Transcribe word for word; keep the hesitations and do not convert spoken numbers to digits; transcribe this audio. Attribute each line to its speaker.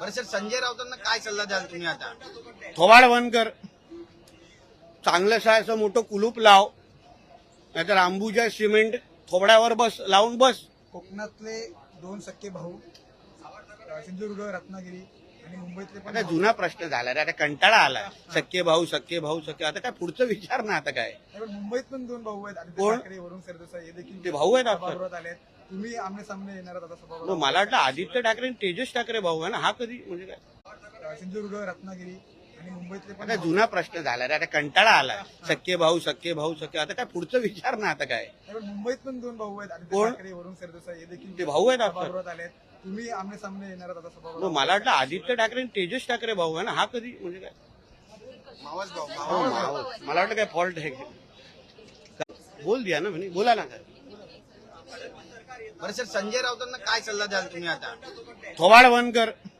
Speaker 1: बरं सर, संजय राऊतांना काय सल्ला द्याल तुम्ही आता?
Speaker 2: थोबाड बंद कर, चांगलं असं मोठं कुलूप लाव, नाहीतर अंबुजा सिमेंट थोबड्यावर बस लावून बस.
Speaker 3: कोकणातले दोन सख्खे भाऊ सिंधुदुर्ग, रत्नागिरी आणि मुंबईतले पण
Speaker 2: आता जुना प्रश्न झाला रे, आता कंटाळा आला. सख्खे भाऊ सख्खे भाऊ सख्खे आता काय पुढचं विचार ना. आता काय
Speaker 3: नाही, पण मुंबईत पण दोन भाऊ आहेत, आदित्य
Speaker 2: कोण?
Speaker 3: ठाकरे, वरुण सरदेसाई हे देखील
Speaker 2: ते भाऊ आहेत आपले?
Speaker 3: सभागृहात आले आहेत. तुम्ही आमने सामने येणार आहात आता
Speaker 2: मग
Speaker 3: सभागृहात.
Speaker 2: मला वाटलं आदित्य ठाकरे आणि तेजस ठाकरे भाऊ आहे ना. हा कधी म्हणजे काय?
Speaker 3: सिंधुदुर्ग, रत्नागिरी आणि मुंबईतले पण
Speaker 2: आता जुना प्रश्न झाला रे, आता कंटाळा आला. सख्खे भाऊ सख्खे भाऊ सख्खे आता काय पुढचं विचार ना. आता काय
Speaker 3: नाही, पण मुंबईत पण दोन भाऊ आहेत, आदित्य
Speaker 2: कोण?
Speaker 3: ठाकरे, वरुण सरदेसाई हे देखील
Speaker 2: ते भाऊ आहेत आपले?
Speaker 3: सभागृहात आले आहेत. तुम्ही आमने सामने येणार आहात आता
Speaker 2: मग
Speaker 3: सभागृहात.
Speaker 2: मला वाटलं आदित्य ठाकरे आणि तेजस ठाकरे भाऊ आहे ना. हा कधी म्हणजे काय?
Speaker 1: मावस भाऊ
Speaker 2: हो, मावस. मला वाटलं काय फॉल्ट आहे. बोल दिया ना म्हणे, बोला ना.
Speaker 1: बरं सर, संजय राऊतांना काय सल्ला द्याल तुम्ही आता?
Speaker 2: थोबाड बंद कर,